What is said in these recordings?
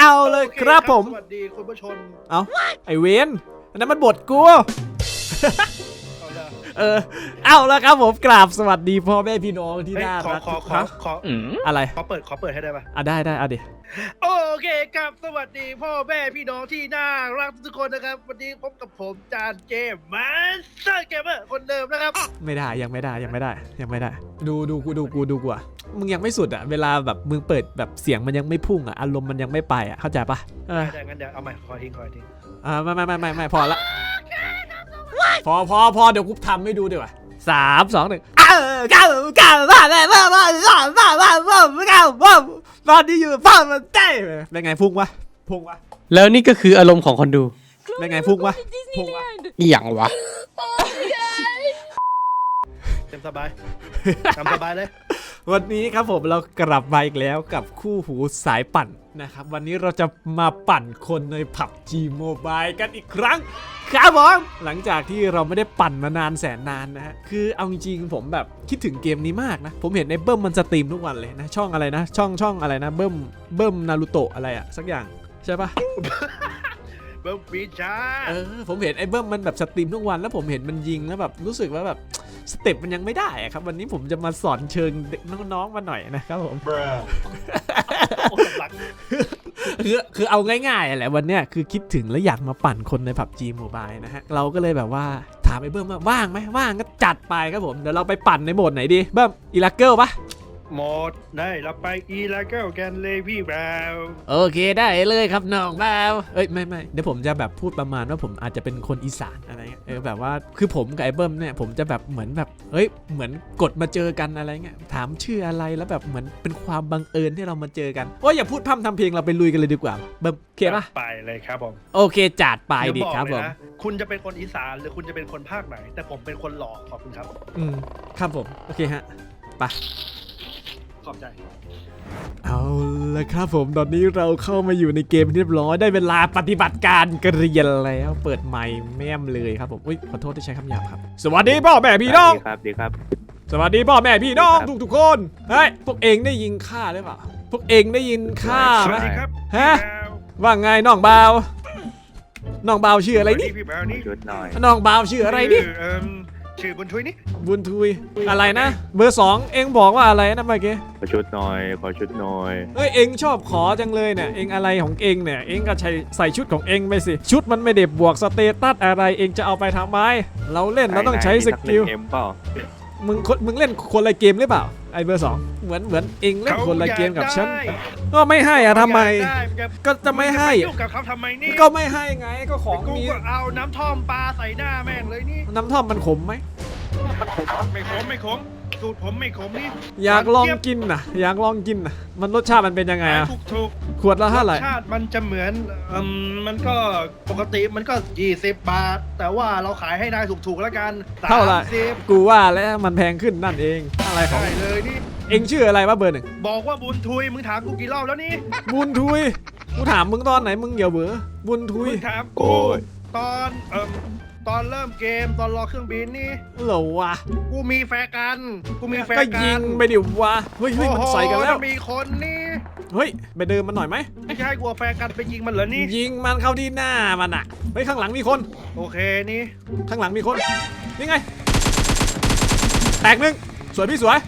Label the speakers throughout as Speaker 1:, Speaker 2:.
Speaker 1: เอาเลยครับผม
Speaker 2: สวัสดีคุณผู้ชม
Speaker 1: เอาไอเวนอันนั้นมันบทกูเอาแล้วครับผมกราบสวัสดีพ่อแม่พี่น้องที่น่ารัก
Speaker 2: ขอ
Speaker 1: อะไร
Speaker 2: ขอเปิดให้ได้ปะ
Speaker 1: ได้เอาดิ
Speaker 2: โอเคครับสวัสดีพ่อแม่พี่น้องที่น่ารักทุกคนนะครับวันนี้พบกับผมจานเจมมาสเตอร์เกมเมอร์คนเดิมนะครับ
Speaker 1: ไม่ได้ยังไม่ได้ดูกูอ่ะมึงยังไม่สุดอ่ะเวลาแบบมึงเปิดแบบเสียงมันยังไม่พุ่งอ่ะอารมณ์มันยังไม่ไปอ่ะเข้าใจปะ
Speaker 2: ได้งั้นเดี๋ยวเอาใหม่ขอทิ้ง
Speaker 1: ไม่พอละพอเดี๋ยวกูทำให้ดูดีกว่า3 2 1ตอนนี้อยู่พ่อมันเต้เป็นไงพุ่งวะ
Speaker 3: แล้วนี่ก็คืออารมณ์ของคนดู
Speaker 1: เป็นไงพุ่งวะ
Speaker 3: อย่างวะ
Speaker 2: เต็มสบายทำสบายเลย
Speaker 1: วันนี้ครับผมเรากลับมาอีกแล้วกับคู่หูสายปั่นนะครับวันนี้เราจะมาปั่นคนใน PUBG Mobile กันอีกครั้งครับผมหลังจากที่เราไม่ได้ปั่นมานานแสนนานนะฮะคือเอาจริงผมแบบคิดถึงเกมนี้มากนะผมเห็นในเบิ้มมันสตรีมทุกวันเลยนะช่องอะไรนะช่องอะไรนะเบิ้มนารูโตะอะไรอะสักอย่างใช่ปะ
Speaker 2: เบิ้มปีชา
Speaker 1: ผมเห็นไอ้เบิ้มมันแบบสตรีมทุกวันแล้วผมเห็นมันยิงแล้วแบบรู้สึกว่าแบบสเต็ปมันยังไม่ได้ครับวันนี้ผมจะมาสอนเชิงเด็กน้องๆมาหน่อยนะครับผมคือเอาง่ายๆแหละวันเนี้ยคือคิดถึงแล้วอยากมาปั่นคนใน PUBG Mobile นะฮะเราก็เลยแบบว่าถามไอ้เบิ้มว่าว่างไหมว่างก็จัดไปครับผมเดี๋ยวเราไปปั่นในโหมดไหนดีเบิ้มอีลักเกิลปะ
Speaker 2: โหมดได้เราไปอีลักเกิลกันเลยพี่บ่าว
Speaker 1: โอเคได้เลยครับน้องบ่าวไม่เดี๋ยวผมจะแบบพูดประมาณว่าผมอาจจะเป็นคนอีสานอะไรเงี้ยแบบว่าคือผมกับไอ้เบิ้มเนี่ยผมจะแบบเหมือนแบบเหมือนกดมาเจอกันอะไรเงี้ยถามชื่ออะไรแล้วแบบเหมือนเป็นความบังเอิญที่เรามาเจอกันอย่าพูดพร่ำทำเพลงเราไปลุยกันเลยดีกว่าเบิ้มโอเคปะ
Speaker 2: ไปเลยครับผม
Speaker 1: โอเคจัดไปดิครับผม
Speaker 2: คุณจะเป็นคนอีสานหรือคุณจะเป็นคนภาคไหนแต่ผมเป็นคนหล่อขอบคุณครับ
Speaker 1: ครับผมโอเคฮะไป
Speaker 2: ขอบใจ
Speaker 1: เอาละครับผมตอนนี้เราเข้ามาอยู่ในเกมเรียบร้อยได้เวลาปฏิบัติการกเรียนแล้วเปิดไมค์แม่มเลยครับผมขอโทษที่ใช้คำหยาบครับสวัสดีพ่อแม่พี่น้อง
Speaker 3: ดีครับ
Speaker 1: สวัสดีพ่อแม่พี่น้องทุกคนเฮ้ยพวกเองได้ยินข้าหรือเปล่าพวกเองได้ยินข้าไหมฮะว่าไงน้องบ่าวชื่ออะไรนี่น้องบ่าวชื่ออะไรนี่
Speaker 2: ชื่อบุญทุยนี่
Speaker 1: บุญทุยอะไรนะเบอร์2เองบอกว่าอะไรนะเมื่อกี้
Speaker 3: ขอชุดหน่อย
Speaker 1: เองชอบขอจังเลยเนี่ยเองอะไรของเองเนี่ยเองก็ใส่ชุดของเองไปสิชุดมันไม่ได้บวกสเตตัสอะไรเองจะเอาไปทำไมเราเล่นเราต้องใช้สกิลมึงเล่นคนละเกมหรือเปล่าไอเบอร์2เหมือนเองเล่นคนละเกมกับฉันก็ไม่ให้ทำไมก็จะไม่ให้
Speaker 2: กับเขาทำไมนี่
Speaker 1: ก็ไม่ให้ไงก็ของมี
Speaker 2: เอาน้ำท่อมปลาใส่หน้าแม่งเลยนี่
Speaker 1: น้ำท่อมมันขมไหม
Speaker 2: ไม่ขมสูตรผมไม่ขมนี่
Speaker 1: อยากลองกินนะมันรสชาติมันเป็นยังไงอะ
Speaker 2: ถูก
Speaker 1: ขวดละเท่าไหร่
Speaker 2: รสชาติมันจะเหมือนมันก็ปกติมันก็20 บาทแต่ว่าเราขายให้นายถูกๆแล้วกัน
Speaker 1: เท่าไหร่กูว่าแล้วมันแพงขึ้นนั่นเองอะไรของ
Speaker 2: เลยนี่
Speaker 1: เองชื่ออะไรวะเบอร์1
Speaker 2: บอกว่าบุญทุยมึงถามกูกี่รอบแล้วนี่
Speaker 1: บุญทุยกูถามมึงตอนไหนมึงอย่าเบื่อบุญทุย
Speaker 2: ถามกูตอนเริ่มเกมตอนรอเครื่องบินนี่
Speaker 1: เหรอวะ
Speaker 2: กูมีแฟร์กัน
Speaker 1: ก็ยิงไปดิวะเฮ้ยมันใส่กันแล้ว
Speaker 2: มีคนนี่
Speaker 1: ไปเดินมันหน่อยไหม
Speaker 2: ไม่ใช่กลัวแฟร์กันไปยิงมันเหรอนี่
Speaker 1: ยิงมันเข้าที่หน้ามันอ่ะข้างหลังมีคน
Speaker 2: โอเคนี่
Speaker 1: ข้างหลังมีคนนี่ไงแตก1สวยพี่สวย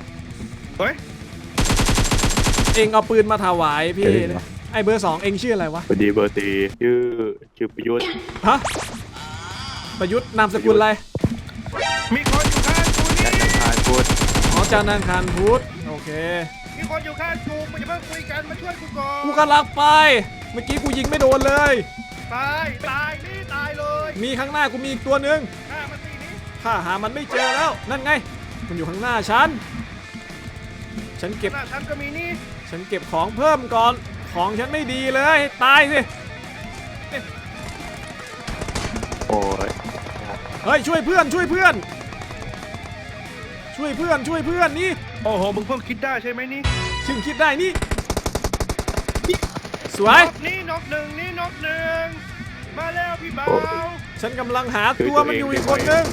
Speaker 1: เองเอาปืนมาถวายพี่ไอเบอร์2เองชื่ออะไรวะ
Speaker 3: พอดีเบอร์4ชื่อประยุทธ์
Speaker 1: ฮะประยุทธ์นามสกุลอะไร
Speaker 2: มีคนอยู่ข้างกูนี่
Speaker 3: จันทร์คารพุธ
Speaker 1: จันทร์คารพุธโอเค
Speaker 2: มีคนอยู่ข้างกูมันจะเพิ่งคุยกันมาช่วยกูก่อน
Speaker 1: กูกำลังไปเมื่อกี้กูยิงไม่โดนเลย
Speaker 2: ตายนี่ตายเลย
Speaker 1: มีข้างหน้ากูมีอีกตัวนึงข้าหามันไม่เจอแล้วนั่นไงมันอยู่ข้างหน้าฉันเก็บ
Speaker 2: ฉันก็มีนี่
Speaker 1: ฉันเก็บของเพิ่มก่อนของฉันไม่ดีเลยตายสิเฮ้ยช่วยเพื่อนนี่
Speaker 2: โอ้โหมึงเพิ่งคิดได้ใช่ไหมนี่
Speaker 1: ซึ่งคิดได้นี่สวย
Speaker 2: นี่นกหนึ่งมาแล้วพี่บ่าว
Speaker 1: ฉันกำลังหาตัวมันอยู่อีกคนนึง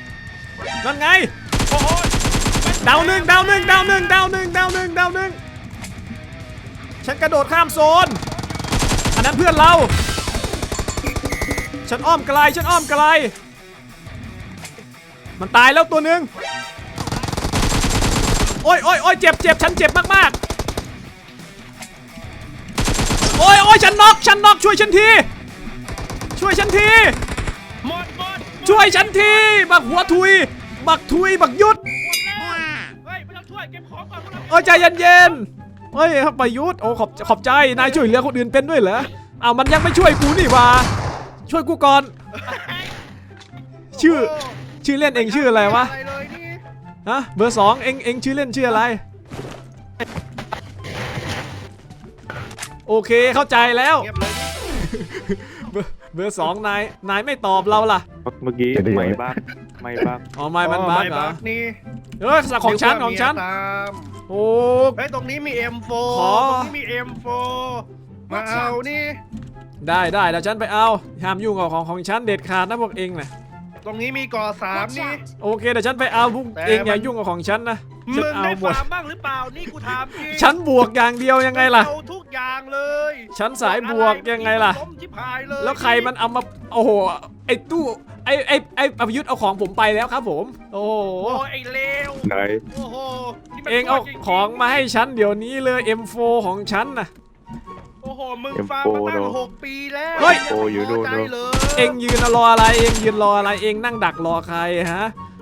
Speaker 1: นั่นไงโอ้โหดาวหนึ่งฉันกระโดดข้ามโซนอันนั้นเพื่อนเรา ฉันอ้อมไกลมันตายแล้วตัวหนึ่งโอ้ยเจ็บฉันเจ็บมากๆโอ้ยฉันน็อกช่วยฉันทีช่วยฉันทีบักหัวทุยบักยุด
Speaker 2: เฮ้ยไม่ต้องช่วยเก็บของก่อนพวกเรา
Speaker 1: โอ้ยใจเย็นๆเฮ้ยครับประยุทธ์โอ้ขอบใจนายช่วยเหลือคนอื่นเป็นด้วยเหรออ้าวมันยังไม่ช่วยกูนี่หว่าช่วยกูก่อนชื่อเล่นเองชื่ออะไรวะ
Speaker 2: อะไรเลยนี่
Speaker 1: ฮะเบอร์ 2เองชื่อเล่นชื่ออะไรโอเคเข้าใจแล้ว
Speaker 2: เงียบเลยนี่
Speaker 1: เบอร์ 2นายไม่ตอบเราล่ะ
Speaker 3: เมื่อกี้ไม่บ้าง
Speaker 1: อ๋อไม่มันบั๊กเหรอ
Speaker 2: นี่
Speaker 1: เฮ้ยของฉัน
Speaker 2: นึกว่าเมียตาม
Speaker 1: โอ้
Speaker 2: เฮ้ยตรงนี้มี M4
Speaker 1: ขอ
Speaker 2: ตรงนี้มี M4 มาเอานี่
Speaker 1: ได้เดี๋ยวฉันไปเอาห้ามยุ่งกับของฉันเด็ดขาดนะพวกเองนะ
Speaker 2: ตรงนี้มีก่อ3นี่
Speaker 1: โอเคเดี๋ยวฉันไปเอาพวก
Speaker 2: แต่
Speaker 1: เองอย่า
Speaker 2: มัน
Speaker 1: ยุ่งกับของฉันนะ
Speaker 2: มึ
Speaker 1: ฉัน
Speaker 2: ง
Speaker 1: เอา
Speaker 2: ได้
Speaker 1: หมด
Speaker 2: ฟาร์มบ้างหรือเปล่านี่กูถามจริง
Speaker 1: ฉันบวกอย่างเดียวยังไงล่ะ
Speaker 2: เอาทุกอย่างเลย
Speaker 1: ฉันสายบวกยังไงล่ะ
Speaker 2: ล้มชิบหายเลย
Speaker 1: แล้วใครมันเอามาโอ้โหไอ้ตู้ไอ้ประยุทธ์เอาของผมไปแล้วครับผมโอ้โห
Speaker 2: โอ้ยไอ้เลว
Speaker 3: ไหน
Speaker 2: โอ้โหนี่มัน
Speaker 1: เองเอา
Speaker 2: จริๆ
Speaker 1: ของมาให้ฉันเดี๋ยวนี้เลย M4 ของฉันนะ
Speaker 2: โอ้โหมึงฟาร์มมาตั้ง6 ปีแล้ว
Speaker 1: เฮ้ย
Speaker 2: งไม่พใจเลย
Speaker 1: เองยืนรออะไรเองยืนรออะไรเองนั่งดักรอใครฮะ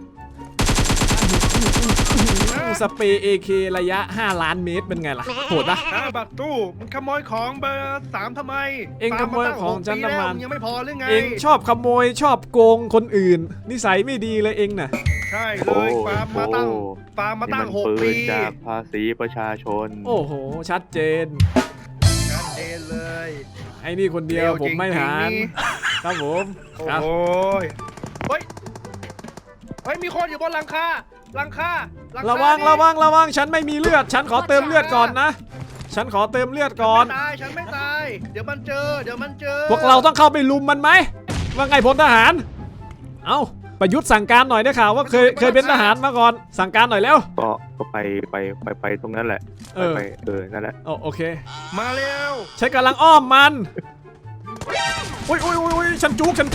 Speaker 1: สเปรย์ AK ระยะ5 ล้านเมตรเป็นไงล่ะโหดปะ
Speaker 2: บัตรตู้มึงขโมยของเบอร์3ทำไม
Speaker 1: เอ็งขโมยของฉันทำไม
Speaker 2: ฟาร์าตั้ง6ปีแล้วงยังไม่พอหรือไง
Speaker 1: เองชอบขโมยชอบโกงคนอื่น นิสัยไม่ดีเลยเองน่ะ
Speaker 2: ใช่เลยฟาร์มมาตั้ง
Speaker 3: นี่มันปื
Speaker 2: 6 ปี
Speaker 3: นจากภาษีประชาชน
Speaker 1: โอ้โหชัดเจน
Speaker 2: ชัดเจนเลย
Speaker 1: ไอ้นี่คนเดียวผมไม่หาร
Speaker 2: จริงๆนี่
Speaker 1: ครับผม
Speaker 2: โอ้
Speaker 1: ครับ
Speaker 2: โหเฮ้ยเฮ้ยมีคนอยู่บนหลังคา
Speaker 1: ระวัง
Speaker 2: นี่
Speaker 1: ระวังฉันไม่มีเลือดฉันขอเติมเลือดก่อนนะฉันขอเติมเลือดก่อน
Speaker 2: ฉันไม่ตายเดี๋ยวมันเจอ
Speaker 1: พวกเราต้องเข้าไปลุมมันไหมว่าไงพลทหารเอ้าประยุทธ์สั่งการหน่อยได้ข่าวว่าเคยเป็นทหารมาก่อนสั่งการหน่อยแล้ว
Speaker 3: ก็ไปตรงนั้นแหละ
Speaker 1: เออ
Speaker 3: ไปนั่นแหละ
Speaker 1: โอเค
Speaker 2: มาเร็ว
Speaker 1: ฉันกำลังอ้อมมันอุ้ยฉันจุกมัน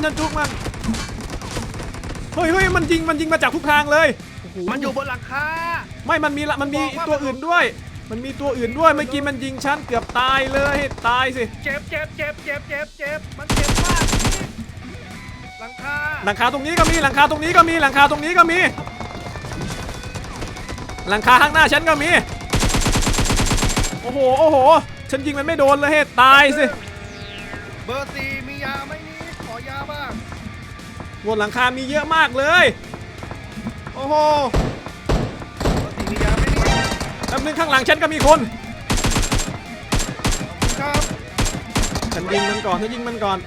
Speaker 1: เฮ้ยมันยิงมาจากทุกทางเลยโอ้โห
Speaker 2: มันอยู่บนหลังคา
Speaker 1: ไม่มันมีตัวอื่นด้วย เมื่อกี้มันยิงฉันเกือบตายเลยตายสิ
Speaker 2: เจ็บมันเจ็บมากหลังคา
Speaker 1: หลังคาตรงนี้ก็มีหลังคาตรงนี้ก็มีหลังคาตรงนี้ก็มีหลังคาข้างหน้าฉันก็มีโอ้โหฉันยิงมันไม่โดนเลยตายสิ
Speaker 2: เบอร์4มียาไหมนี่ขอยาบ้าง
Speaker 1: บนหลังคามีเยอะมากเลยโอ้โห
Speaker 2: เบอร์4มียาไหมนี่
Speaker 1: แป๊บนึงข้างหลังฉันก็มีคน
Speaker 2: ครับ
Speaker 1: ฉันยิงมันก่อน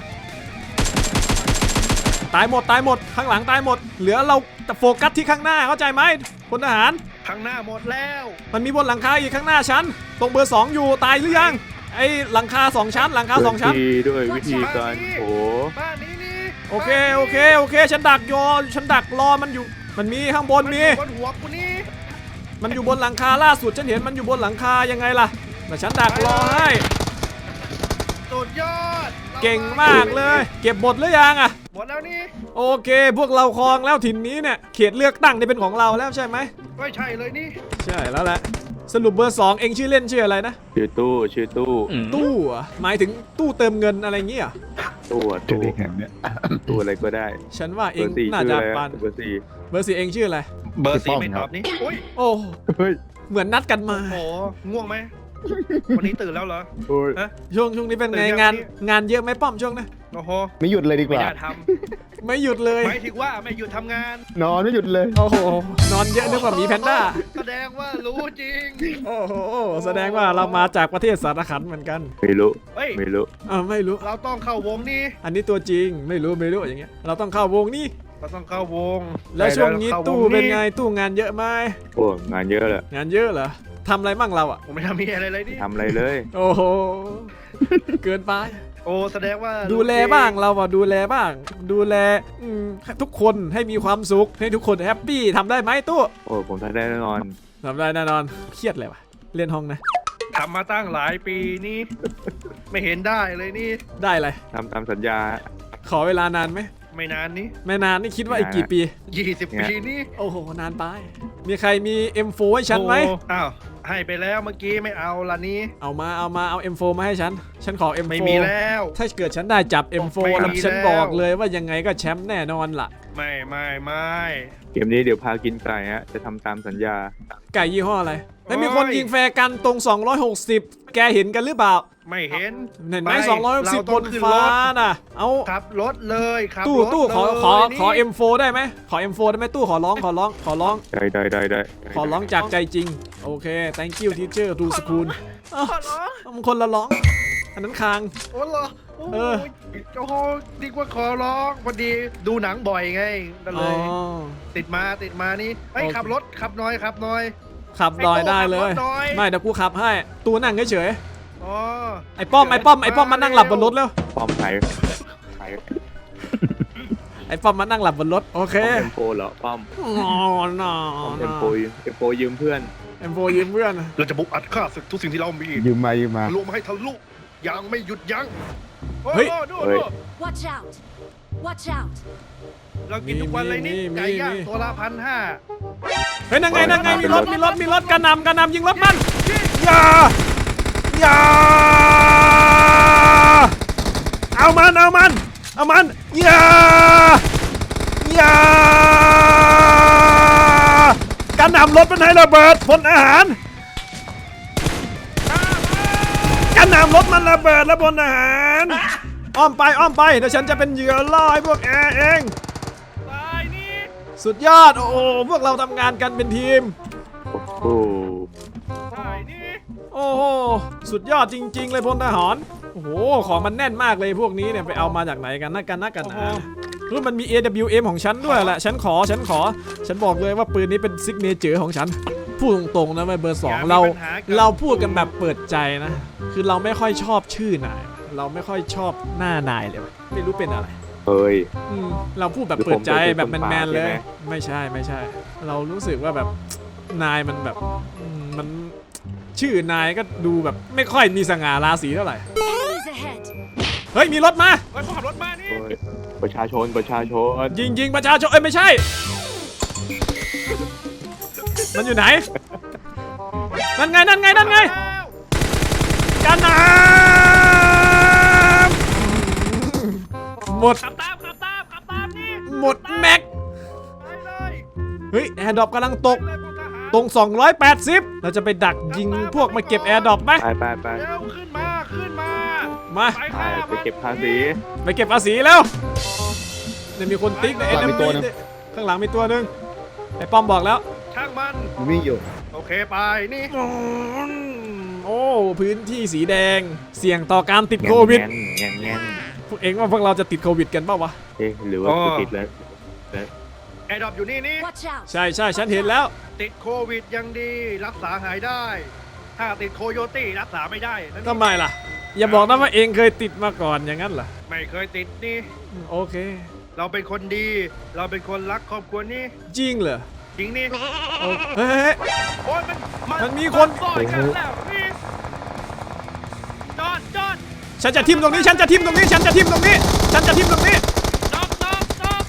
Speaker 1: ตายหมดข้างหลังตายหมดเหลือเราแต่โฟกัสที่ข้างหน้าเข้าใจไหมพลทหาร
Speaker 2: ข้างหน้าหมดแล้ว
Speaker 1: มันมีบนหลังคาอีกข้างหน้าฉันตรงเบอร์ 2อยู่ตายหรือยังไอ้หลังคา2ชั้นหลังคา2ชั้น
Speaker 3: ด้วยวิธีการโอ้
Speaker 2: บ้านนี้นี่
Speaker 1: โอเคฉันดักรอมันอยู่มันมีข้างบนมี
Speaker 2: บนหัวกูนี่
Speaker 1: มันอยู่บนหลังคาล่าสุดฉันเห็นมันอยู่บนหลังคายังไงล่ะแต่ฉันดักรอให้
Speaker 2: สุดยอด
Speaker 1: เก่งมากเลย เก็บหมดหรือยังอะ
Speaker 2: หมดแล้วนี่
Speaker 1: โอเคพวกเราครองแล้วถิ่นนี้เนี่ยเขตเลือกตั้งนี่เป็นของเราแล้วใช่ไหม
Speaker 2: ไม่ใช่เลยนี่
Speaker 1: ใช่แล้วแหละสรุปเบอร์ 2เองชื่อเล่นชื่ออะไรนะ
Speaker 3: ชื่อตู้
Speaker 1: ตู้เหรอหมายถึงตู้เติมเงินอะไรเงี้ยเหรอ
Speaker 3: ตู้ตู้อะไรก็ได้
Speaker 1: ฉันว่าเอง
Speaker 3: เบอร์สี่
Speaker 1: น่า
Speaker 3: ชื่อ
Speaker 1: จะ
Speaker 3: อะไร
Speaker 1: ปัน
Speaker 3: เบอร์สี่
Speaker 1: เบอร์ 4เองชื่ออะไร
Speaker 2: เบอร์4ไม่ตอบนี่อุ้ย
Speaker 1: โอ้
Speaker 3: เฮ้ย
Speaker 1: เหมือนนัดกันมา
Speaker 2: โอ้ง่วงไหมวันนี้ตื่นแล้วเหรอ
Speaker 3: โอ้ย
Speaker 2: ฮะ
Speaker 1: ช่วงนี้เป็นไง
Speaker 2: ตื่นยัง
Speaker 1: งานเยอะไหมป้อมช่วงนะ
Speaker 2: โอ้โห
Speaker 4: ไม่หยุดเลยดีก
Speaker 2: ไม่
Speaker 4: ว่า
Speaker 2: น่าท
Speaker 1: ไม่หยุดเลย
Speaker 2: ำหมายถึงว่าไม่หยุดทำงาน
Speaker 4: นอนไม่หยุดเลย
Speaker 1: โอ้โหนอนเยอะนึกว่าหมีแพนด้า
Speaker 2: แสดงว่ารู้จริง
Speaker 1: โอ้โหแสดงว่าเรามาจากประเทศสารคันเหมือนกัน
Speaker 3: ไม่รู้
Speaker 2: เฮ้ย
Speaker 3: ไม่รู้
Speaker 1: ไม่รู้
Speaker 2: เราต้องเข้าวงนี่
Speaker 1: อันนี้ตัวจริงไม่รู้อย่างเงี้ยเราต้องเข้าวงนี่
Speaker 2: เราต้องเข้าวง
Speaker 1: แล้วช่วงนี้
Speaker 2: ข้าว
Speaker 1: ตู้เป็นไงตู้งานเยอะไหม
Speaker 3: โอ้งานเยอะแหละ
Speaker 1: งานเยอะเหรอทำอะไรมั่งเราอ่ะ
Speaker 2: ผมไม่ทำมีอะไรเลยนี่
Speaker 3: ทำอะไรเลย
Speaker 1: โอ้โหเกินไป
Speaker 2: โอ้แสดงว่า
Speaker 1: ดูแลบ้างเราอ่ะดูแลบ้าง ดูแลทุกคนให้มีความสุขให้ทุกคนแฮปปี้ทำได้ไหมตู้
Speaker 3: โอ้ผมทำได้แน่นอน
Speaker 1: ทำได้แน่นอนเครียดเลยว่ะเล่นห้องนะ
Speaker 2: ทำมาตั้งหลายปีนี่ ไม่เห็นได้เลยนี่
Speaker 1: ได้เลย
Speaker 3: ทำตามสัญญา
Speaker 1: ขอเวลานานไหม
Speaker 2: ไม่นานนี้
Speaker 1: ไม่นานนี่คิดว่าอีกกี่ปี
Speaker 2: 20 ปีนี่
Speaker 1: โอ้โหนานไปมีใครมี M4 ให้ฉันไหม
Speaker 2: โอ้อ้าวให้ไปแล้วเมื่อกี้ไม่เอาละนี้
Speaker 1: เอา M4 มาให้ฉันขอ M4
Speaker 2: ไม่มีแล้ว
Speaker 1: ถ้าเกิดฉันได้จับ M4
Speaker 2: ไม่มี
Speaker 1: แล้วฉัน
Speaker 2: แล้ว
Speaker 1: บอกเลยว่ายังไงก็แชมป์แน่นอนล่ะ
Speaker 2: ไม่
Speaker 3: เกมนี้เดี๋ยวพากินไก่ฮะจะทำตามสัญญา
Speaker 1: ไก่ยี่ห้ออะไรไม่มีคนยิงแฟร์กันตรง 260 แกเห็นกันหรือเปล่า
Speaker 2: ไม่เห็น
Speaker 1: เห็นไหม
Speaker 2: ป
Speaker 1: 260
Speaker 2: เร
Speaker 1: บน
Speaker 2: ขึ้
Speaker 1: ฟ้าร
Speaker 2: ถ
Speaker 1: น่ะเอา
Speaker 2: ขับรถเลยขับ
Speaker 1: ตู้
Speaker 2: รถ
Speaker 1: ตู้ขอ
Speaker 2: เลย
Speaker 1: ขอ
Speaker 2: นี่
Speaker 1: M4 ได้ไหมขอ M4 ได้ไหมตู้ขอร้อง
Speaker 3: ได้
Speaker 1: ขอร้องจากใจจริงโอเค thank you teacher to school อ้าว
Speaker 2: ขอร้อง
Speaker 1: มันคนละร้องอันนั้นคาง
Speaker 2: โอ้โหโอ้
Speaker 1: เอ
Speaker 2: โห
Speaker 1: อ
Speaker 2: โอ้โหดีกว่าขอร้องพอดีดูหนังบ่อยไงก็เลย
Speaker 1: อ๋อ
Speaker 2: ติดมานี่เฮ้ย
Speaker 1: โอเค
Speaker 2: ขับรถขับน้อยขับน้อย
Speaker 1: ขับดอยได้เลย
Speaker 2: ขับรถหน่อย
Speaker 1: ไม่เดี๋ยวกูขับให้ตู้นั่งเฉย
Speaker 2: อ๋อ
Speaker 1: ๆไอ้ป้อมมานั่งหลับบนรถแล้ว
Speaker 3: ป้อมไทย
Speaker 1: ไอ้ป้อมมานั่งหลับบนรถโอเค
Speaker 3: ป้อมเอ็มโฟเหรอป้อม
Speaker 1: อ๋อน่า
Speaker 3: ป้อมเอ็มโฟยืมเพื่อน
Speaker 1: M4 ยืมเพื่อน
Speaker 2: เราจะบุกอัดฆ่าศึกทุกสิ่งที่เรามี
Speaker 4: ยืมมา
Speaker 2: ทะลุมาให้ทะลุยังไม่หยุดยั้ง
Speaker 1: เฮ้ย
Speaker 2: โอ้โหดู
Speaker 3: เฮ้ย
Speaker 5: Watch out! Watch out!
Speaker 2: เรากินทุกวันเลยนี่
Speaker 1: มี
Speaker 2: ไก่ย่าง
Speaker 1: มี
Speaker 2: ตัวละ1,500
Speaker 1: เฮ้ยนั่งไงมีรถกระหนำยิงรถมันอย่าเอามันอย่ากระหนำรถมันให้ระเบิดพลอาหารกระหนำรถมันระเบิดแล้วพลอาหารอ้อมไปเดี๋ยวฉันจะเป็นเหยื่อล่อให้พวกแอร์เอง
Speaker 2: ตายนี่
Speaker 1: สุดยอดโอ้โหพวกเราทำงานกันเป็นทีม
Speaker 3: โอ้โห
Speaker 2: ตายนี่
Speaker 1: โอ้โหสุดยอดจริงๆเลยพลทหารโอ้โหของมันแน่นมากเลยพวกนี้เนี่ยไปเอามาจากไหนกันนะรู้มันมี AWM ของฉันด้วยแหละฉันขอฉันบอกเลยว่าปืนนี้เป็นซิกเนเจอร์ของฉันพูดตรงๆนะเบอร์ 2เราพูดกันแบบเปิดใจนะคือเราไม่ค่อยชอบชื่อนายเราไม่ค่อยชอบหน้านายเลยไม่รู้เป็นอะไร
Speaker 3: เฮ้ย
Speaker 1: เราพูดแบบเปิดใจแบบแมนๆเลย
Speaker 3: ใช่ไหม
Speaker 1: ไม่ใช่ เรารู้สึกว่าแบบนายมันแบบมันชื่อนายก็ดูแบบไม่ค่อยมีสง่าราศีเท่าไหร่
Speaker 5: Enemies ahead!
Speaker 1: เฮ้ยมีรถมา
Speaker 2: เฮ้ยพวกขับรถมานี่
Speaker 3: โอ้ยประชาชน
Speaker 1: ยิงประชาชนไม่ใช่ มันอยู่ไหน นั่นไง
Speaker 2: แล้ว
Speaker 1: กันน้ำหมด
Speaker 2: ขับตามนี่
Speaker 1: หมดแม็ก
Speaker 2: ไปเลย
Speaker 1: เฮ้ยแอร์ดรอปกำลังตก
Speaker 2: ไปเลยพวกทหาร
Speaker 1: ตรง 280 เราจะไปดักยิงพวกมาเก็บแอร์ดรอปไหม
Speaker 3: ไป
Speaker 2: เร็วขึ้นมา
Speaker 1: มา
Speaker 2: ไป
Speaker 3: ไป
Speaker 2: ฆ่า
Speaker 3: ไปเก็บภาษี
Speaker 1: ไปเก็บภาษีแล้วเนี่ยมีคนติ๊กใน
Speaker 4: ข้างหลังมีตัวหนึ่ง
Speaker 1: ข้างหลังมีตัวหนึ่งไอ้ป้อมบอกแล้ว
Speaker 2: ช่างมัน
Speaker 4: วิ่งอยู่
Speaker 2: โอเคไปนี่
Speaker 1: โอ้พื้นที่สีแดงเสี่ยงต่อการติดโควิด
Speaker 3: แง่น
Speaker 1: พวกเองว่าพวกเราจะติดโควิดกันเปล่าวะ
Speaker 3: เอ๊ะหรือว่ากูติดแล้ว
Speaker 2: แอร์ดรอปอยู่นี่
Speaker 5: Watch out!
Speaker 1: ใช่ฉันเห็นแล้ว
Speaker 2: ติดโควิดยังดีรักษาหายได้ ถ้าติดโคโยตี้รักษาไม่ได้นั่น
Speaker 1: ทำไมล่ะ อย่าบอกนะว่าเองเคยติดมาก่อนอย่างนั้นเหรอ
Speaker 2: ไม่เคยติดนี่
Speaker 1: โอเค
Speaker 2: เราเป็นคนดี เราเป็นคนรักครอบครัวนี่
Speaker 1: จริงเหรอ
Speaker 2: จริงนี่
Speaker 1: โอ้เฮ้ย
Speaker 2: โอ้ย
Speaker 1: มันมีคน
Speaker 2: ซ่อนกันแล้วนี่จอด
Speaker 1: ฉันจะทิมตรงนี้ ฉันจะทิมตรงนี้
Speaker 2: จอด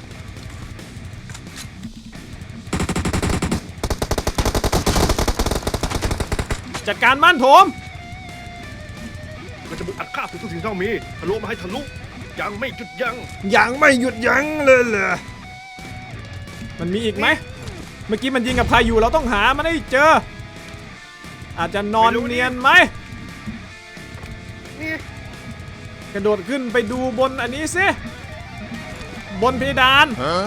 Speaker 1: จัดการมันโถม
Speaker 2: เราจะบุกอัดฆ่าทุกสิ่งที่เรามีทะลุมาให้ทะลุยังไม่หยุดยั้ง
Speaker 1: ยังไม่หยุดยั้งเลยเหรอมันมีอีกไหมเมื่อกี้มันยิงกับใครอยู่เราต้องหามันให้เจอ อาจจะนอนเนียนไหม
Speaker 2: นี่
Speaker 1: กระโดดขึ้นไปดูบนอันนี้สิบนเพดาน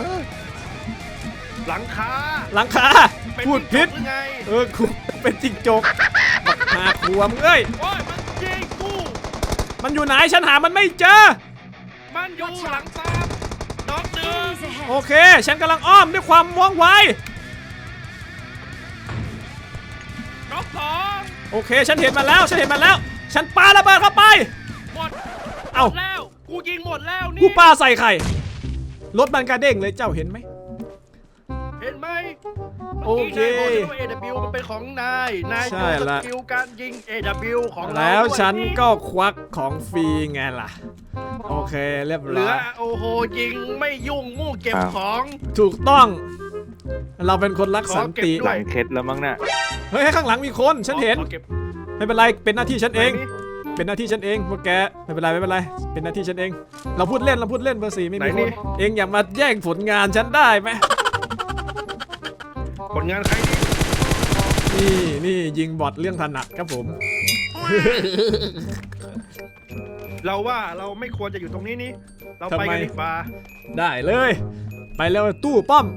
Speaker 2: หลังคา
Speaker 1: หลังคา
Speaker 2: เป็น
Speaker 1: พูดผิด
Speaker 2: หรือไง
Speaker 1: กูเป็นจิงจกบักหาขวมเอ้ย
Speaker 2: โอ้ยมันยิงกู
Speaker 1: มันอยู่ไหนฉันหามันไม่เจอ
Speaker 2: มันอยู่หลังตามน็อกหนึ่ง
Speaker 5: Enemies ahead!
Speaker 1: โอเค ฉันกำลังอ้อมด้วยความว่องไว
Speaker 2: น็อกสอง
Speaker 1: โอเค ฉันเห็นมันแล้ว ฉันปาระเบิดเข้าไป
Speaker 2: หมด
Speaker 1: เอ้า
Speaker 2: หมดแล้วกูยิงหมดแล้วนี่
Speaker 1: กูปาใส่ไข่รถมันกระเด้งเลยเจ้าเห็นไหม
Speaker 2: เห็นไหม
Speaker 1: โอเค
Speaker 2: มื่กี้นายบอกว่า AW มันเป็นของนาย
Speaker 1: ใช่
Speaker 2: ดูส
Speaker 1: ละ
Speaker 2: กิลการยิง AW ของเรา
Speaker 1: แล้ว
Speaker 2: ด้วย
Speaker 1: ฉัน
Speaker 2: นี่
Speaker 1: ก็ควักของฟรีไงล่ะ โอเคเรียบ
Speaker 2: เหลื
Speaker 1: ร้
Speaker 2: อ
Speaker 1: อย
Speaker 2: โอ้โหยิงไม่ยุ่งมู่เก็บของ
Speaker 1: ถูกต้อง เราเป็นคนรักสันติ
Speaker 2: ขอเก็บด้
Speaker 3: หลั
Speaker 2: วย
Speaker 3: งเคล็ดแล้วมั้งน่ะ
Speaker 1: เฮ้ยข้างหลังมีคนฉันเห็น
Speaker 2: ขอก็บ
Speaker 1: ไม่เป็นไรเป็นหน้าที่ฉันเอง
Speaker 2: ไหนนี่
Speaker 1: เป็นหน้าที่ฉันเองพวกแกไม่เป็นไรเป็นหน้าที่ฉันเอง เราพูดเล่นเบอร์สี่ไม่มี
Speaker 2: ไหน
Speaker 1: ค
Speaker 2: นี่
Speaker 1: นเองอย่ามาแย่งผลงานฉันได้ไหม
Speaker 2: ผลงานใครนี่
Speaker 1: นี่ยิงบอทเรื่องถนัดครับผม
Speaker 2: เราว่าเราไม่ควรจะอยู่ตรงนี้นี่เรา
Speaker 1: ทำไม
Speaker 2: ไปกันดีกว่า
Speaker 1: ได้เลย ไปเร็วตู้ป้อมไป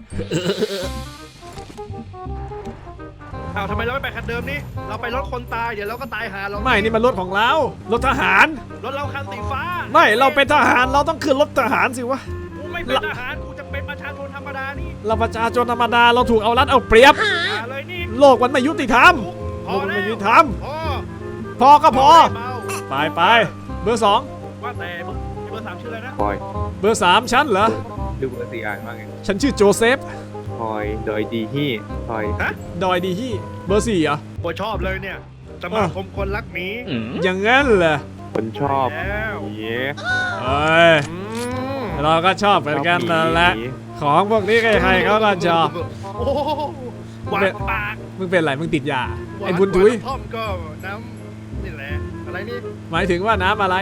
Speaker 2: อ้าวทำไมเราไม่ไปคันเดิมนี่เราไปรถคนตายเดี๋ยวเราก็ตายหาเรา
Speaker 1: ไม่นี่มันรถของเรารถทหาร
Speaker 2: รถเราคันสีฟ้า
Speaker 1: ไม่เราเป็นทหารเราต้องขึ้นรถทหารสิวะ
Speaker 2: กูไม่เป็นทหารกูจะเป็นประชาชนธรรมดานี่
Speaker 1: เราประชาชนธรรมดาเราถูกเอารัดเอาเปรียบ
Speaker 2: อย่าเลยนี่
Speaker 1: โลกมันไม่ยุติธรรม
Speaker 2: พอ
Speaker 1: มัน
Speaker 2: แล้ว
Speaker 1: ไม่ยุติธรรม
Speaker 2: พอ
Speaker 1: พอก็พอ
Speaker 2: เมา
Speaker 1: ไปเบอร์สอง
Speaker 2: ว่าแต่เบอร์สามชื่ออะไรนะ
Speaker 3: พลอย
Speaker 1: เบอร์สามฉันเหรอ
Speaker 3: ดูเบอร์สี่อ่านว่าไง
Speaker 1: ฉันชื่อโจเซฟ
Speaker 3: พลอยโดยดีที่พลอย
Speaker 2: ฮะ
Speaker 1: ดอยดีฮี่เบอร์สี่เหรอ
Speaker 2: โอ้ชอบเลยเนี่ยสมาคมคนรักหมี
Speaker 1: อย่างงั้นเหรอ
Speaker 3: คนชอบ
Speaker 2: แล้ว
Speaker 3: เย้
Speaker 1: เอ้ย
Speaker 2: อืม
Speaker 1: เราก็ชอบเหมือนกันนั่นแหละของพวกนี้ใครๆเขาก็ชอบ
Speaker 2: โอ้โหหวานปาก
Speaker 1: มึงเป็นไรมึงติดยาไอ้บุญทุย
Speaker 2: หวานท่อมก็น้ำนี่แหละอะไรนี่
Speaker 1: หมายถึงว่าน้ำอะไร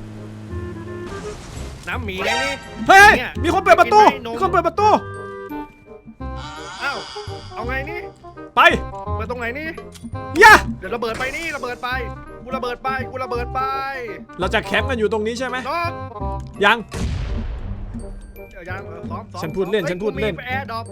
Speaker 2: น้ำหมีไงนี่
Speaker 1: เฮ้ย
Speaker 2: เนี่ย
Speaker 1: มีคนเปิดประตู
Speaker 2: กินไม่นม
Speaker 1: มีคนเปิดประตู
Speaker 2: อ้าวเอาไงนี่
Speaker 1: ไป
Speaker 2: เปิดตรงไหนนี่
Speaker 1: ย่า
Speaker 2: เดี๋ยวระเบิดไปนี่ระเบิดไปกูระเบิดไปกูระเบิดไป
Speaker 1: เราจะแคมป์กันอยู่ตรงนี้ใช่ไหม
Speaker 2: น้อง
Speaker 1: ยัง
Speaker 2: เดี๋ยวยังสอง
Speaker 1: ฉันพูดเล่น
Speaker 2: ฮ้ย
Speaker 1: ฉันพูดเล่น
Speaker 2: กูมีแอร์ดรอป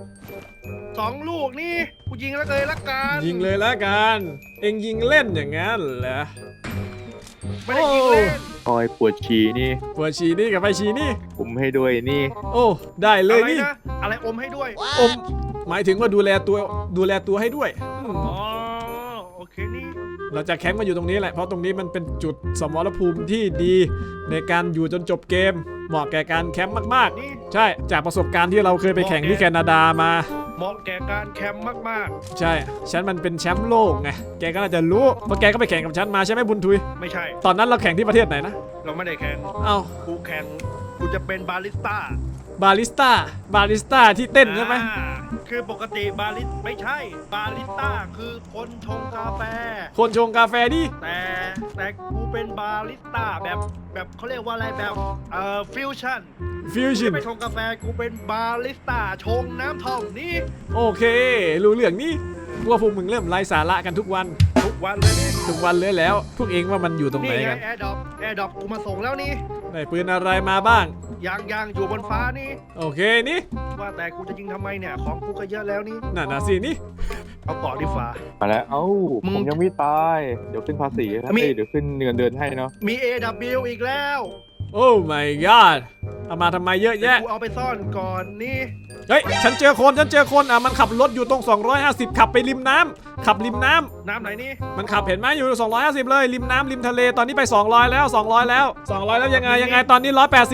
Speaker 2: 2 ลูกนี่กูยิงแล้วเลยละกัน
Speaker 1: ยิงเลยละกัน เอ็งยิงเล่นอย่างงั้นเหรอ
Speaker 2: ไม่ได้ยิงเล่น
Speaker 3: พลอยปวดฉี่นี่
Speaker 1: ปวดฉี่นี่กับไปฉี่นี่
Speaker 3: ผมให้ด้วยนี่
Speaker 1: โอ้ ได้เลย
Speaker 2: อะไร
Speaker 1: นี่
Speaker 2: นะอะไรอมให้ด้วย
Speaker 1: อม หมายถึงว่าดูแลตัวให้ด้วยอืม
Speaker 2: อ๋อโอเคนี่
Speaker 1: เราจะแคมป์กันอยู่ตรงนี้แหละ เพราะตรงนี้มันเป็นจุดสมรภูมิที่ดีในการอยู่จนจบเกม เหมาะแก่การแคมป์มาก
Speaker 2: นี่
Speaker 1: ๆ ใช่ จากประสบการณ์ที่เราเคยไปแข่งที่แคนาดามา
Speaker 2: เหมาะแก่การแคมป์มาก
Speaker 1: ใช่ ฉันมันเป็นแชมป์โลกไง แกก็น่าจะรู้ เพราะแกก็ไปแข่งกับฉันมาใช่ไหมบุญทุย
Speaker 2: ๆ ไม่ใช่
Speaker 1: ตอนนั้นเราแข่งที่ประเทศไหนนะ
Speaker 2: เราไม่ได้แข่ง
Speaker 1: เอ้า
Speaker 2: กูแข่งกูจะเป็นบาริสต้า
Speaker 1: บาริสต้าที่เต้นใช่ไหม
Speaker 2: อ่าคือปกติบาริสไม่ใช่บาริสต้าคือคนชงกาแฟ
Speaker 1: คนชงกาแฟดิ
Speaker 2: แต่กูเป็นบาริสต้าแบบเขาเรียกว่าอะไรแบบฟิวชั่น
Speaker 1: ฟิวชั่น
Speaker 2: ไม่ชงกาแฟกูเป็นบาริสต้าชงน้ำท่อมนี่
Speaker 1: โอเค รู้เรื่องนี้ว่าพวกมึงเริ่มไร้สาระกันทุกวัน
Speaker 2: ทุกวันเลยนี่
Speaker 1: ทุกวันเลยแล้ว พวกเองว่ามันอยู่ตรงไหน
Speaker 2: นี่ไง
Speaker 1: กัน
Speaker 2: แอร์ดรอปกูมาส่งแล้วนี่
Speaker 1: ได้ปืนอะไรมาบ้าง
Speaker 2: ยังอยู่บนฟ้านี่
Speaker 1: โอเคนี่
Speaker 2: ว่าแต่กูจะยิงทำไมเนี่ยของกูก็เยอะแล้วนี่
Speaker 1: นั่นนะสินี่
Speaker 2: เอาต่อดีฟ้า
Speaker 3: มาแล้ว เอ้า
Speaker 2: มึง
Speaker 3: ผมยังไม่ตาย เดี๋ยวขึ้นภาษีครับ
Speaker 2: มี
Speaker 3: เดี๋ยวขึ้นเงินเดือนให้เนาะ
Speaker 2: มี AW อีกแล้ว
Speaker 1: โอ้ my god เอามาทำไมเยอะแยะ
Speaker 2: กูเอาไปซ่อนก่อนนี่
Speaker 1: เฮ้ย ฉันเจอคนมันขับรถอยู่ตรง 250 ขับไปริมน้ำขับริมน้ำ
Speaker 2: น้ำไหนนี่
Speaker 1: มันขับเห็นไหมอยู่ 250 เลยริมน้ำริมทะเลตอนนี้ไป 200 แล้ว 200 แล้ว 200 แล้วยังไงตอนนี้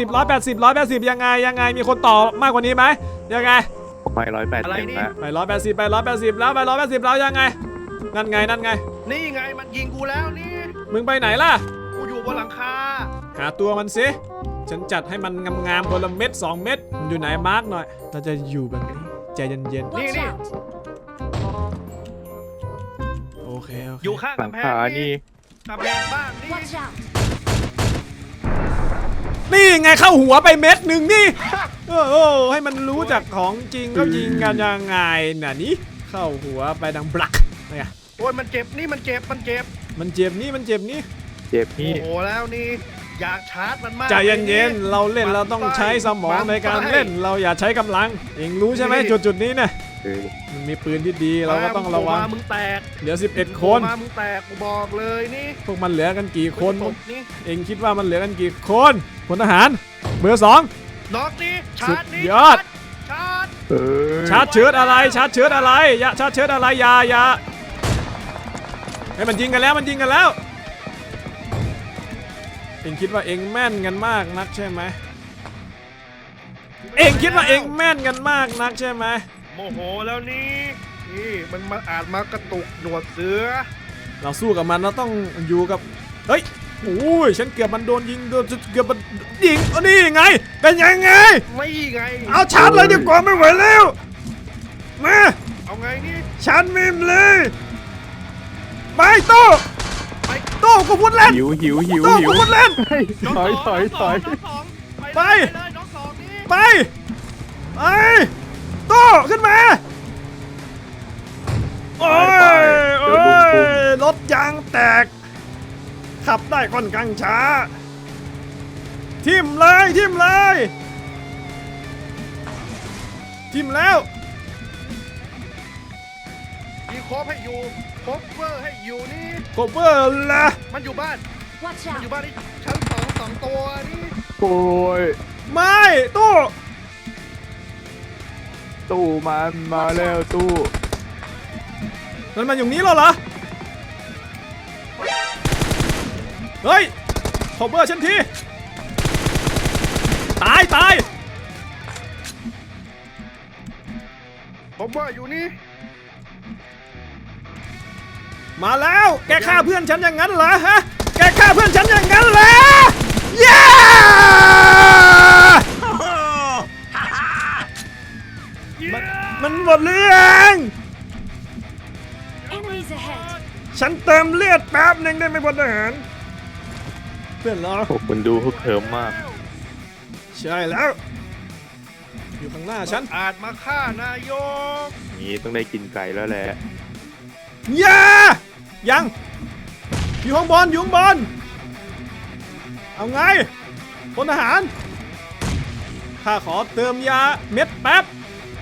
Speaker 1: 180 ยังไงมีคนต่อมากกว่านี้ไหมยังไง
Speaker 3: ผมไป180
Speaker 2: อะไรนี่
Speaker 3: แล้ว
Speaker 1: ไป 180 ไป 180 แล้วไป 180 แล้วยังไงนั่นไง
Speaker 2: นี่ไงมันยิงกูแล้วนี่
Speaker 1: มึงไปไหนล่ะ
Speaker 2: กูอยู่บนหลังคา
Speaker 1: หาตัวมันสิฉันจัดให้มันงามๆคนละเม็ด2 เม็ดมันอยู่ไหนมาร์กหน่อยเราจะอยู่แบบนี้ใจเย็น
Speaker 5: Watch
Speaker 2: Nè.
Speaker 5: out!
Speaker 1: ๆโอเค
Speaker 2: อยู่ข้าง
Speaker 3: หลัง
Speaker 2: กำแพ
Speaker 3: คาง นี่
Speaker 2: กำแพงบ้านนี่
Speaker 5: Watch out!
Speaker 1: นี่ไงเข้าหัวไปเม็ดหนึ่งนี่โอ้ให้มันรู้จักของจริงก็ยิงกันยังไงน่ะนี่เข้าหัวไปดังบลักไง
Speaker 2: โอ้ยมันเจ็บนี่มันเจ็บ
Speaker 1: มันเจ็บนี่
Speaker 3: เจ็บ
Speaker 2: โอ้
Speaker 3: นี่
Speaker 2: โหแล้วนี่อยากชาร์จมันมาก
Speaker 1: ใจเย็นๆเราเล่นเราต้องใช้สมองในการเล่นเราอย่าใช้กำลังเองรู้ใช่ไหมจุดนี้เนี่ย
Speaker 3: เออ
Speaker 1: มันมีปืนที่ดีเราก็ต้องระวัง
Speaker 2: มามึงแตก
Speaker 1: เหลือ11 คน
Speaker 2: มามึงแตกกูบอกเลยนี่
Speaker 1: พวกมันเหลือกันกี่คน
Speaker 2: ตบนี่
Speaker 1: เองคิดว่ามันเหลือกันกี่คนพลทหารเบอร์ 2
Speaker 2: น็อกนี่ชาร์จนี่
Speaker 1: สุดยอด
Speaker 2: ชาร์จ
Speaker 3: เออ
Speaker 1: ชาร์จเชิดอะไรอย่าชาร์จเชิดอะไรอย่าให้มันยิงกันแล้วเองคิดว่าเองแม่นกันมากนักใช่ไหมเองคิดว่าเองแม่นกันมากนักใช่ไหม
Speaker 2: โมโหแล้วนี่มันมาอาจมากระตุกหนวดเสือ
Speaker 1: เราสู้กับมันเราต้องอยู่กับเฮ้ยโอ้ยฉันเกือบมันโดนยิงโดนเกือบมันยิงเอานี่ไงเป็นยังไง
Speaker 2: ไม่ไง
Speaker 1: เอาชาร์จเลยดีกว่าไม่ไหวแล้วมา
Speaker 2: เอาไงนี่
Speaker 1: ชาร์จมิมเลยไปโต้
Speaker 2: ไป
Speaker 1: โต้กูพูดเล่น
Speaker 3: หิว
Speaker 1: โต้กูพูดเล่น
Speaker 3: ถอย
Speaker 1: ไป
Speaker 2: เลยน้องสองนี่
Speaker 1: ไปโต้ขึ้นมาโอ้ย
Speaker 3: เดี๋ยวลุงปุ้ม
Speaker 1: รถยางแตกขับได้ค่อนข้างช้าทิ่มเลยทิ่มแล้ว
Speaker 2: มีโคบให้อยู่โคบเวอร์ให้อยู่นี่
Speaker 1: โคเวอร์ละ
Speaker 2: มันอยู่บ้าน
Speaker 5: Watch
Speaker 2: มันอยู่
Speaker 5: out!
Speaker 2: บ้านนี่ชั้นสองตัวนี่
Speaker 3: โอ้ย
Speaker 1: ไม่ตู้
Speaker 3: ตู้มันมาแล้วตู้
Speaker 1: มันมาอยู่นี้แล้วเหรอเฮ้ยโคเวอร์ฉันทีตาย
Speaker 2: ผมว่าอยู่นี่
Speaker 1: มาแล้วแกฆ่าเพื่อนฉันอย่างนั้นเหรอฮะแกฆ่าเพื่อนฉันอย่างนั้นเหรอเย้ มันหมดเรื่อง
Speaker 5: Enemies ahead!
Speaker 1: ฉันเติมเลือดแป๊บหนึ่งได้ไหมพลทหารเพื่อนเหรอ
Speaker 3: โอ้คุณดูเขาเขิมมาก
Speaker 1: ใช่แล้ว อยู่ข้างหน้าฉัน
Speaker 2: อาจมาฆ่านายก
Speaker 3: นี้ต้องได้กินไก่แล้วแหละ
Speaker 1: อย่ายังอยู่ข้างบนเอาไงพลทหารข้าขอเติมยาเม็ดแป๊บ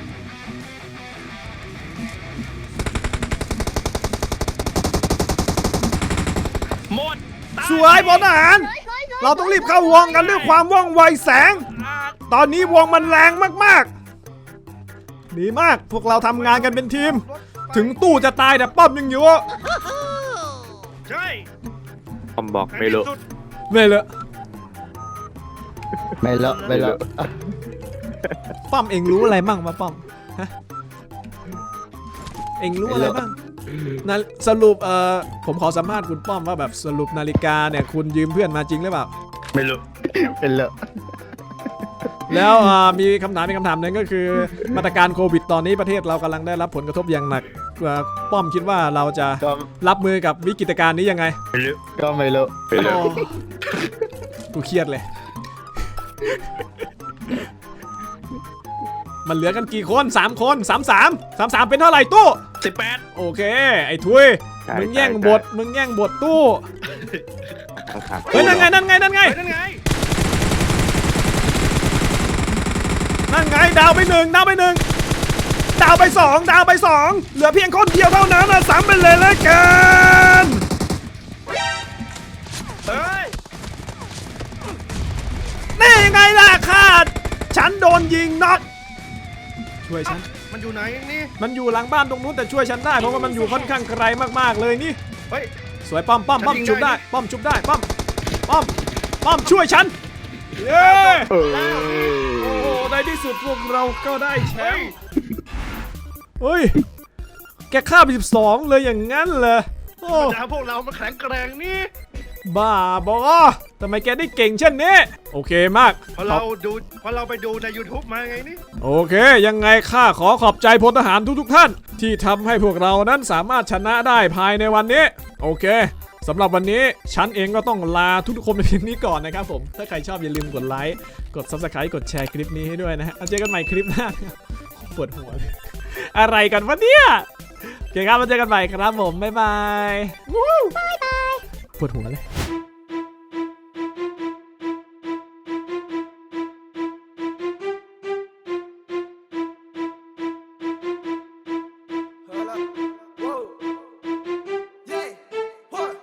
Speaker 2: หมด
Speaker 1: สวยพลทหารเราต้องรีบเข้าวงกันด้วยความว่องไวแสง ตอนนี้วงมันแรงมากๆดีมากพวกเราทำงานกันเป็นทีม ถึงตู้จะตายแต่ป้อมยังอยู่
Speaker 2: ใช่
Speaker 3: คำบอกไม่รู้
Speaker 2: ในที่สุด
Speaker 1: ไม่เลย
Speaker 4: ไม่เลอะไม่เลอะ
Speaker 1: ป้อมเองรู้อะไรบ้างวะป้อมฮะเองรู้อะไรบ้างนะสรุปผมขอสัมภาษณ์คุณป้อมว่าแบบสรุปนาฬิกาเนี่ยคุณยืมเพื่อนมาจริงหรือเปล่า
Speaker 2: ไม่รู้
Speaker 4: เป็นเลอะ
Speaker 1: แล้วมีคำถามหนึงก็คือมาตรการโควิดตอนนี้ประเทศเรากำลังได้รับผลกระทบอย่างหนักป้อมคิดว่าเราจะ
Speaker 4: ก็
Speaker 1: รับมือกับวิกฤตการณ์นี้ยังไง
Speaker 4: ก็ไม่เลอะ
Speaker 3: ไปเลย
Speaker 1: โอ้กูเครียดเลย มันเหลือกันกี่คน3คน33เป็นเท่าไหร่ตู้
Speaker 2: 18
Speaker 1: โอเค ไอ้ทุยมึงแย่งบทตู้
Speaker 3: ต้องถาม
Speaker 1: เฮ้ยนั่นไง
Speaker 2: เฮ้ยนั่นไง
Speaker 1: นั่นไงดาวไปหนึ่งดาวไปสองเหลือเพียงคนเดียวเท่านั้นนะซ้ำไปเลยแล้วกัน
Speaker 2: เฮ้ย
Speaker 1: นี่ไงล่ะขาดฉันโดนยิงน็อกช่วยฉัน
Speaker 2: มันอยู่ไหนนี่
Speaker 1: มันอยู่หลังบ้านตรงนู้นแต่ช่วยฉันได้เพราะว่ามันอยู่ค่อนข้างไกลมากๆเลยนี่
Speaker 2: เฮ้ย
Speaker 1: สวยป้อม
Speaker 2: ฉันยิง
Speaker 1: ชุบได้
Speaker 2: ได้
Speaker 1: ป้อมชุบได้ป้อมช่วยฉันเย้
Speaker 3: เออ
Speaker 1: โอ้โหในที่สุดพวกเราก็ได้แช
Speaker 2: เฮ้
Speaker 1: ม
Speaker 2: ย
Speaker 1: ป์เฮ้ยแกฆ่าไป12เลยอย่างงั้นเหรอโอ้
Speaker 2: ปัญหาพวกเรามันแข็งแกร่งนี่
Speaker 1: บ้าบอทำไมแกได้เก่งเช่นนี้โอเคมาก
Speaker 2: พอเราไปดูใน YouTube มาไงนี่
Speaker 1: โอเคยังไงข้าขอขอบใจพลทหารทุกท่าน ที่ทำให้พวกเรานั้นสามารถชนะได้ภายในวันนี้โอเคสำหรับวันนี้ฉันเองก็ต้องลาทุกคนไปเพียงนี้ก่อนนะครับผมถ้าใครชอบอย่าลืมกดไลค์กด Subscribe กดแชร์คลิปนี้ให้ด้วยนะฮะเอาเจอกันใหม่คลิปหน้าปวดหัวเลยอะไรกันวะเนี่ยโอเคครับมาเจอกันใหม่ครับผมบ๊ายบายปวดหัวเลย